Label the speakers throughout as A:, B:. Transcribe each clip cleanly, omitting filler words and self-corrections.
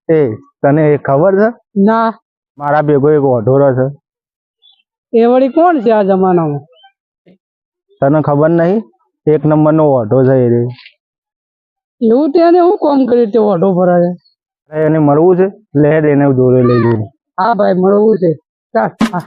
A: એ તને ખબર છે
B: ના
A: મારા ભેગો એક ઓઢોરો છે
B: એ વળી કોણ છે આ જમાનામાં?
A: તને ખબર નહીં એક નંબરનો ઓઢો છે એ રે.
B: એવું તેને હું કામ કર્યું તે ઓઢો ભરાય?
A: અરે એને મળવું છે લે એને દોરે લઈ જઈને.
B: હા ભાઈ મળવું છે ચાલ. હા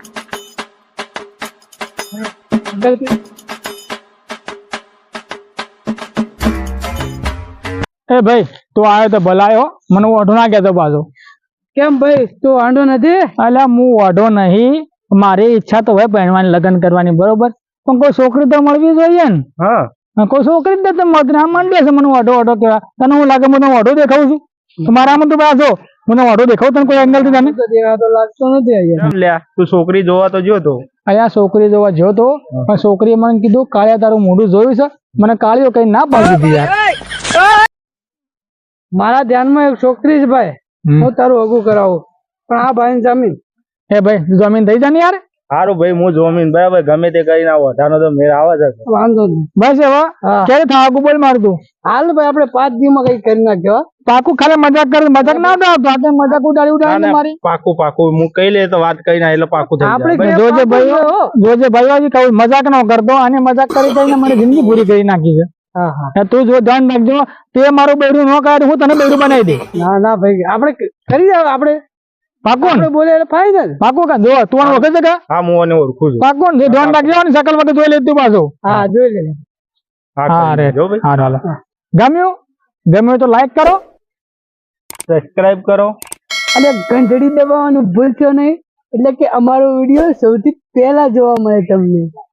C: એ ભાઈ તું આવ્યો તો ભલાયો, મને ઓઢો ના કહેતો પાછો.
B: કેમ ભાઈ તું વાંધો નથી?
C: અલ્યા હું ઓઢો નહીં, મારી ઈચ્છા તો હોય પહેણવાની, લગ્ન કરવાની, બરોબર, પણ કોઈ છોકરી તો મળવી જોઈએ ને.
A: હા
C: કોઈ છોકરી જ નથી મળતી, આમ માંડે છે મને ઓઢો ઓઢો કેવા. તને હું લાગે હું ઓઢો દેખાવું છું? મારામાં તું પાછો મને ઓઢો દેખાવ તને કોઈ એંગલ થી? તને
B: તો લાગતો નથી અહીંયા.
A: કેમ લ્યા તું છોકરી જોવા તો જો તો.
C: અહીંયા છોકરી જોવા જો તો, પણ છોકરીએ મને કીધું કાળિયા તારું મોઢું જોયું છે, મને કાળીઓ કઈ ના પાડી દીધી યાર.
B: મારા ધ્યાનમાં એક છોકરી છે ભાઈ, હું તારું હગું કરાવું, પણ આ ભાઈ જમીન.
C: એ ભાઈ જમીન થઈ જાય ને યાર.
A: સારું ભાઈ હું જોમીન બરાબર ગમે તે કરીને ઓઢાનો તો મેળ આવે છે.
B: વાંધો નહીં.
C: બસ હવે ક્યારે થાકું બોલ મારતું.
B: હાલ ભાઈ આપણે 5 દિવસમાં કઈ કરી નાખ્યો.
C: પાકું ખાલી મજાક કરે, મજાક ના ઉડાવતો, આપણે મજાક ઉડાડી મારી.
A: પાકું પાકું હું કઈ લે તો વાત કરીને એટલે પાકું થઈ
B: આપણે
A: જાય.
C: જોજે ભાઈ, જોજે ભાઈ કહું મજાક ન કરતો, અને મજાક કરી કરીને મારી જિંદગી પૂરી કરી નાખી છે.
B: હા હા
C: તું જો ધ્યાન રાખજો, તે મારું બેડું ન કાઢ, હું તને બેડું બનાવી દે.
B: ના ના ભાઈ આપણે કરી જાવ. આપણે
C: પાકું ને?
B: બોલે એટલે ફાઇનલ.
C: પાકું કા જો તું વખત છે કા?
A: હા હું એને ઓળખું છું.
C: પાકું ને? ધ્યાન રાખજો ને, શકલ વખત જોઈ લેતું પાછું.
B: હા જોઈ લે.
C: હા રે
A: જો ભાઈ.
C: હા હાલો. ગમ્યું તો લાઈક કરો,
A: સબસ્ક્રાઇબ કરો
B: અને ઘંટડી દબાવવાનું ભૂલશો નહીં, એટલે કે અમારો વિડીયો સૌથી પહેલા જોવા મળે તમને.